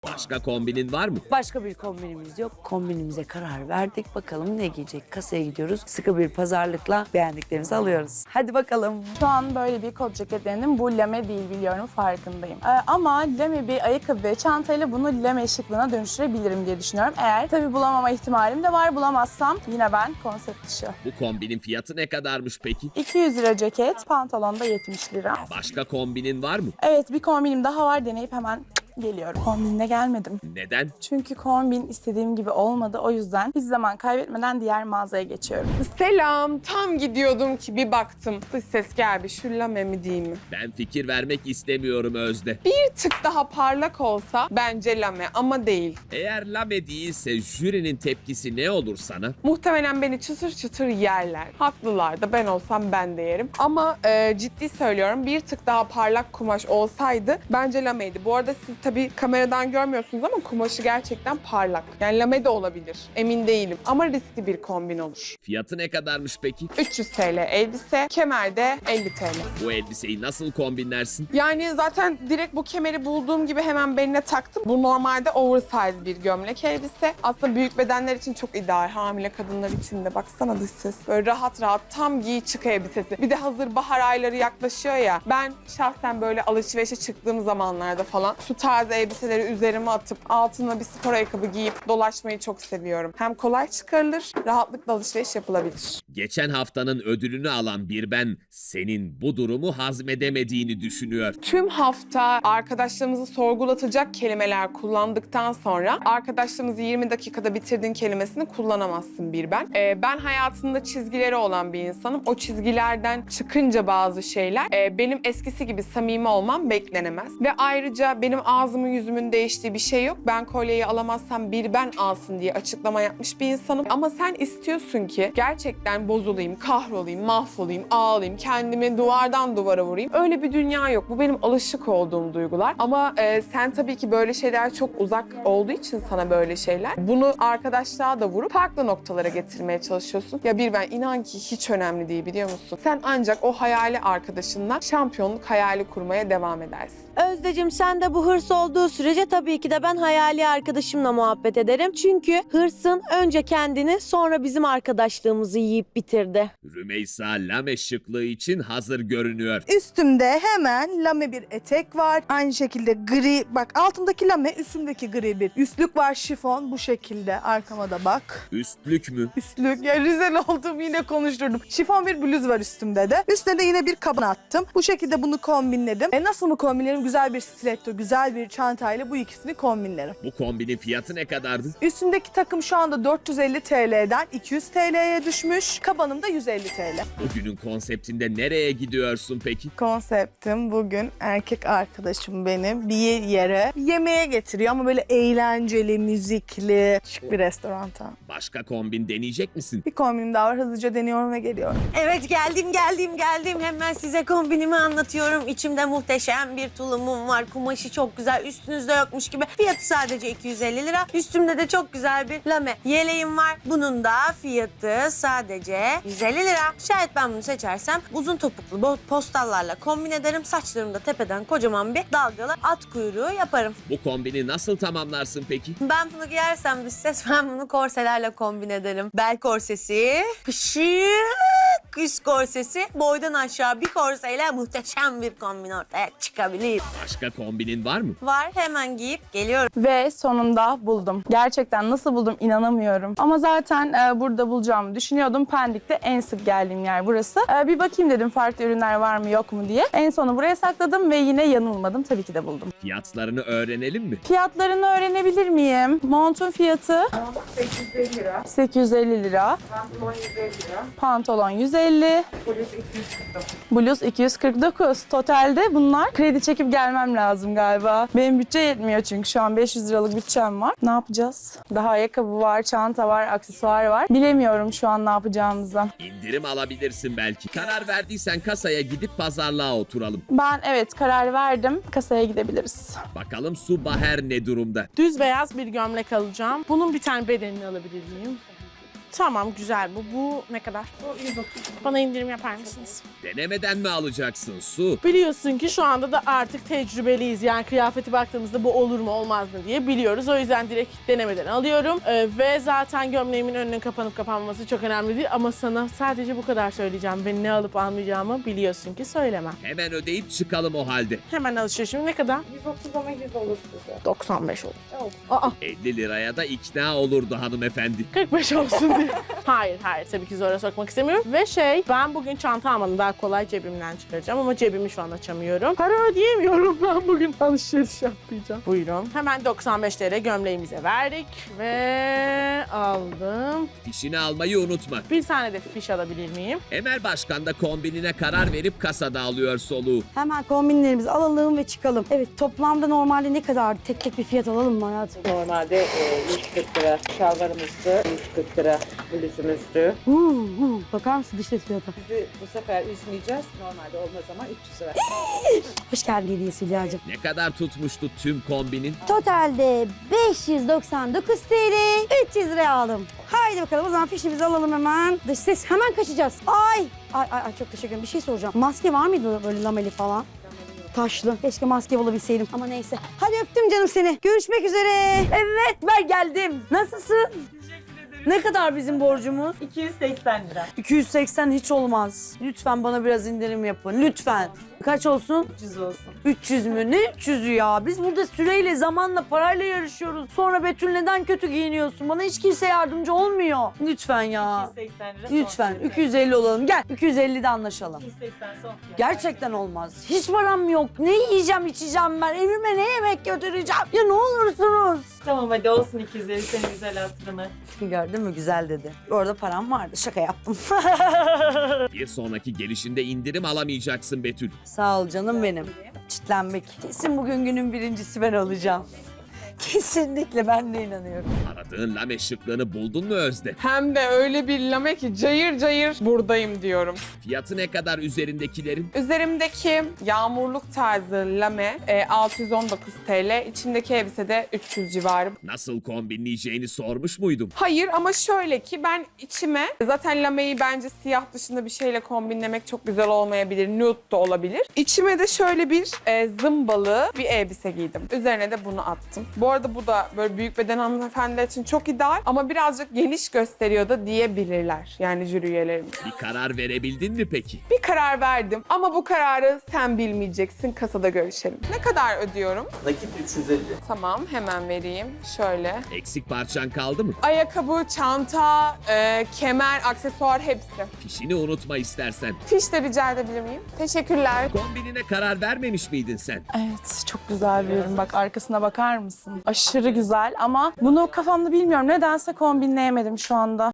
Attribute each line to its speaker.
Speaker 1: Başka kombinin var mı?
Speaker 2: Başka bir kombinimiz yok. Kombinimize karar verdik. Bakalım ne giyecek? Kasaya gidiyoruz. Sıkı bir pazarlıkla beğendiklerimizi alıyoruz. Hadi bakalım.
Speaker 3: Şu an böyle bir kot ceket denedim. Bu lame değil, biliyorum, farkındayım. Ama lame bir ayakkabı ve çantayla bunu lame şıklığına dönüştürebilirim diye düşünüyorum. Eğer tabii bulamama ihtimalim de var. Bulamazsam yine ben konsept dışı.
Speaker 1: Bu kombinin fiyatı ne kadarmış peki?
Speaker 3: 200 lira ceket, pantolon da 70 lira.
Speaker 1: Başka kombinin var mı?
Speaker 3: Evet, bir kombinim daha var, deneyip hemen geliyorum. Kombinle gelmedim.
Speaker 1: Neden?
Speaker 3: Çünkü kombin istediğim gibi olmadı. O yüzden hiç zaman kaybetmeden diğer mağazaya geçiyorum.
Speaker 4: Selam, tam gidiyordum ki bir baktım. Dış ses gel bir şu lame mi değil mi?
Speaker 1: Ben fikir vermek istemiyorum Özde.
Speaker 4: Bir tık daha parlak olsa bence lame ama değil.
Speaker 1: Eğer lame değilse jürinin tepkisi ne olur sana?
Speaker 4: Muhtemelen beni çıtır çıtır yerler. Haklılar da, ben olsam ben de yerim. Ama ciddi söylüyorum, bir tık daha parlak kumaş olsaydı bence lameydi. Bu arada siz tabii kameradan görmüyorsunuz ama kumaşı gerçekten parlak. Yani lame de olabilir, emin değilim. Ama riskli bir kombin olur.
Speaker 1: Fiyatı ne kadarmış peki?
Speaker 4: 300 TL elbise, kemer de 50 TL.
Speaker 1: Bu elbiseyi nasıl kombinlersin?
Speaker 4: Yani zaten direkt bu kemeri bulduğum gibi hemen beline taktım. Bu normalde oversize bir gömlek elbise. Aslında büyük bedenler için çok ideal. Hamile kadınlar için de. Baksana dış ses. Böyle rahat rahat tam giy çık elbisesi. Bir de hazır bahar ayları yaklaşıyor ya. Ben şahsen böyle alışverişe çıktığım zamanlarda falan şu tarz elbiseleri üzerime atıp altına bir spor ayakkabı giyip dolaşmayı çok seviyorum. Hem kolay çıkarılır, rahatlıkla alışveriş yapılabilir.
Speaker 1: Geçen haftanın ödülünü alan bir ben senin bu durumu hazmedemediğini düşünüyor.
Speaker 4: Tüm hafta arkadaşlarımızı sorgulatacak kelimeler kullandıktan sonra arkadaşlarımızı 20 dakikada bitirdin kelimesini kullanamazsın bir ben. Ben hayatında çizgileri olan bir insanım. O çizgilerden çıkınca bazı şeyler benim eskisi gibi samimi olmam beklenemez. Ve ayrıca benim ağzımın yüzümün değiştiği bir şey yok. Ben kolyeyi alamazsam bir ben alsın diye açıklama yapmış bir insanım. Ama sen istiyorsun ki gerçekten bozulayım, kahrolayım, mahvolayım, ağlayayım, kendimi duvardan duvara vurayım. Öyle bir dünya yok. Bu benim alışık olduğum duygular. Ama sen tabii ki böyle şeyler çok uzak olduğu için sana böyle şeyler. Bunu arkadaşlığa da vurup farklı noktalara getirmeye çalışıyorsun. Ya bir ben inan ki hiç önemli değil, biliyor musun? Sen ancak o hayali arkadaşınla şampiyonluk hayali kurmaya devam edersin.
Speaker 5: Özdeciğim, sen de bu hırs olduğu sürece tabii ki de ben hayali arkadaşımla muhabbet ederim. Çünkü hırsın önce kendini sonra bizim arkadaşlığımızı yiyip bitirdi.
Speaker 1: Rümeysa lame şıklığı için hazır görünüyor.
Speaker 6: Üstümde hemen lame bir etek var. Aynı şekilde gri, bak altındaki lame, üstümdeki gri bir üstlük var, şifon bu şekilde. Arkama da bak.
Speaker 1: Üstlük mü?
Speaker 6: Üstlük, ya Rizel oldum yine konuşturdum. Şifon bir bluz var üstümde de. Üstüne de yine bir kaban attım. Bu şekilde bunu kombinledim. Nasıl mı kombinlerim? Güzel bir stiletto, güzel bir çantayla bu ikisini kombinlerim.
Speaker 1: Bu kombinin fiyatı ne kadardı?
Speaker 6: Üstümdeki takım şu anda 450 TL'den 200 TL'ye düşmüş. Kabanım da 150 TL.
Speaker 1: Bugünün konseptinde nereye gidiyorsun peki?
Speaker 6: Konseptim bugün erkek arkadaşım benim bir yere yemeğe getiriyor ama böyle eğlenceli, müzikli, şık bir restoranta.
Speaker 1: Başka kombin deneyecek misin?
Speaker 6: Bir kombinim daha var, hızlıca deniyorum ve geliyorum.
Speaker 5: Evet, geldim. Hemen size kombinimi anlatıyorum. İçimde muhteşem bir tulumum var. Kumaşı çok güzel. Üstünüzde yokmuş gibi. Fiyatı sadece 250 lira. Üstümde de çok güzel bir lame yeleğim var. Bunun da fiyatı sadece 150 lira. Şayet ben bunu seçersem uzun topuklu postallarla kombin ederim. Saçlarımda tepeden kocaman bir dalgalı at kuyruğu yaparım.
Speaker 1: Bu kombini nasıl tamamlarsın peki?
Speaker 5: Ben bunu giyersem dış ses, ben bunu korselerle kombin ederim. Bel korsesi, pışık üst korsesi, boydan aşağı bir korseyle muhteşem bir kombin ortaya çıkabilir.
Speaker 1: Başka kombinin var mı?
Speaker 5: Var, hemen giyip geliyorum.
Speaker 3: Ve sonunda buldum. Gerçekten nasıl buldum inanamıyorum. Ama zaten burada bulacağımı düşünüyordum. Pendik'te en sık geldiğim yer burası. Bir bakayım dedim farklı ürünler var mı yok mu diye. En sonu buraya sakladım ve yine yanılmadım. Tabii ki de buldum.
Speaker 1: Fiyatlarını öğrenelim mi?
Speaker 3: Fiyatlarını öğrenebilir miyim? Montun fiyatı? 850 lira. 850 lira. Pantolon 150 lira. Pantolon 150. Bluz 249. Totalde bunlar kredi çekip gelmem lazım galiba. Benim bütçe yetmiyor çünkü şu an 500 liralık bütçem var. Ne yapacağız? Daha ayakkabı var, çanta var, aksesuar var. Bilemiyorum şu an ne yapacağımızı.
Speaker 1: İndirim alabilirsin belki. Karar verdiysen kasaya gidip pazarlığa oturalım.
Speaker 3: Ben evet karar verdim. Kasaya gidebiliriz.
Speaker 1: Bakalım Su Baher ne durumda?
Speaker 7: Düz beyaz bir gömlek alacağım. Bunun bir tane bedenini alabilir miyim?
Speaker 3: Tamam güzel bu. Bu ne kadar? Bu 130. Bana indirim yapar mısınız?
Speaker 1: Denemeden mi alacaksın Su?
Speaker 3: Biliyorsun ki şu anda da artık tecrübeliyiz. Yani kıyafeti baktığımızda bu olur mu olmaz mı diye biliyoruz. O yüzden direkt denemeden alıyorum. Ve zaten gömleğimin önünün kapanıp kapanmaması çok önemli değil. Ama sana sadece bu kadar söyleyeceğim. Ve ne alıp almayacağımı biliyorsun ki söylemem.
Speaker 1: Hemen ödeyip çıkalım o halde.
Speaker 3: Hemen alışverişim ne kadar?
Speaker 6: 130 ama 100 olur size.
Speaker 3: 95 olur.
Speaker 6: Aa,
Speaker 1: 50 liraya da ikna olurdu hanımefendi.
Speaker 3: 45 olsun diye. Hayır tabii ki zora sokmak istemiyorum. Ve ben bugün çanta almadım. Daha kolay cebimden çıkaracağım ama cebimi şu an açamıyorum. Para ödeyemiyorum ben bugün alışveriş yapmayacağım. Buyurun. Hemen 95 TL gömleğimize verdik ve aldım.
Speaker 1: Fişini almayı unutma.
Speaker 3: Bir tane de fiş alabilir miyim?
Speaker 1: Emel Başkan da kombinine karar verip kasada alıyor soluğu.
Speaker 7: Hemen kombinlerimizi alalım ve çıkalım. Evet, toplamda normalde ne kadar? Tek tek bir fiyat alalım mı hayatım?
Speaker 8: Normalde 140 lira şalvarımızdı, 140 lira bluzumuzdu.
Speaker 7: Bakar mısın dış ses fiyata?
Speaker 8: Bizi bu sefer üzmeyeceğiz. Normalde olmaz ama 300 lira.
Speaker 7: Hoş geldin hediyesi Hülya'cığım.
Speaker 1: Ne kadar tutmuştu tüm kombinin?
Speaker 7: Totalde 599 TL, 300 liraya aldım. Haydi bakalım o zaman fişimizi alalım hemen. Dış ses hemen kaçacağız. Ay çok teşekkür ederim. Bir şey soracağım. Maske var mıydı böyle lameli falan? Taşlı. Keşke maske bulabilseydim ama neyse. Hadi öptüm canım seni. Görüşmek üzere.
Speaker 2: Evet ben geldim. Nasılsın? Ne kadar bizim borcumuz?
Speaker 8: 280 lira.
Speaker 2: 280 hiç olmaz. Lütfen bana biraz indirim yapın. Lütfen. Kaç olsun?
Speaker 8: 300 olsun.
Speaker 2: 300 mü? Ne 300'ü ya? Biz burada süreyle, zamanla, parayla yarışıyoruz. Sonra Betül neden kötü giyiniyorsun? Bana hiç kimse yardımcı olmuyor. Lütfen ya.
Speaker 8: 280 lira.
Speaker 2: Lütfen 250 olalım. Gel 250'de anlaşalım.
Speaker 8: 280 son fiyat.
Speaker 2: Gerçekten olmaz. Hiç param yok. Ne yiyeceğim, içeceğim ben? Evime ne yemek götüreceğim? Ya ne olursunuz?
Speaker 8: Tamam hadi olsun 250 senin güzel hatırına.
Speaker 2: Gördün mü? Güzel dedi. Orada param vardı. Şaka yaptım.
Speaker 1: Bir sonraki gelişinde indirim alamayacaksın Betül.
Speaker 2: Sağ ol canım benim. Çitlenmek. Kesin bugün günün birincisi ben olacağım. Kesinlikle ben de inanıyorum.
Speaker 1: Aradığın lame şıklığını buldun mu Özde?
Speaker 4: Hem de öyle bir lame ki cayır cayır buradayım diyorum.
Speaker 1: Fiyatı ne kadar üzerindekilerin?
Speaker 4: Üzerimdeki yağmurluk tarzı lame 619 TL. İçindeki elbise de 300 civarı.
Speaker 1: Nasıl kombinleyeceğini sormuş muydum?
Speaker 4: Hayır ama şöyle ki ben içime zaten lameyi bence siyah dışında bir şeyle kombinlemek çok güzel olmayabilir. Nude da olabilir. İçime de şöyle bir zımbalı bir elbise giydim. Üzerine de bunu attım. Bu arada bu da böyle büyük beden hanımefendiler için çok ideal ama birazcık geniş gösteriyor da diyebilirler. Yani jüri üyelerimiz.
Speaker 1: Bir karar verebildin mi peki?
Speaker 4: Bir karar verdim ama bu kararı sen bilmeyeceksin. Kasada görüşelim. Ne kadar ödüyorum?
Speaker 9: Nakit 350.
Speaker 4: Tamam hemen vereyim. Şöyle.
Speaker 1: Eksik parçan kaldı mı?
Speaker 4: Ayakkabı, çanta, kemer, aksesuar hepsi.
Speaker 1: Fişini unutma istersen.
Speaker 4: Fiş de rica edebilir miyim? Teşekkürler.
Speaker 1: Kombinine karar vermemiş miydin sen?
Speaker 3: Evet çok güzel bir ürün. Bak arkasına bakar mısın? Aşırı güzel ama bunu kafamda bilmiyorum. Nedense kombinleyemedim şu anda.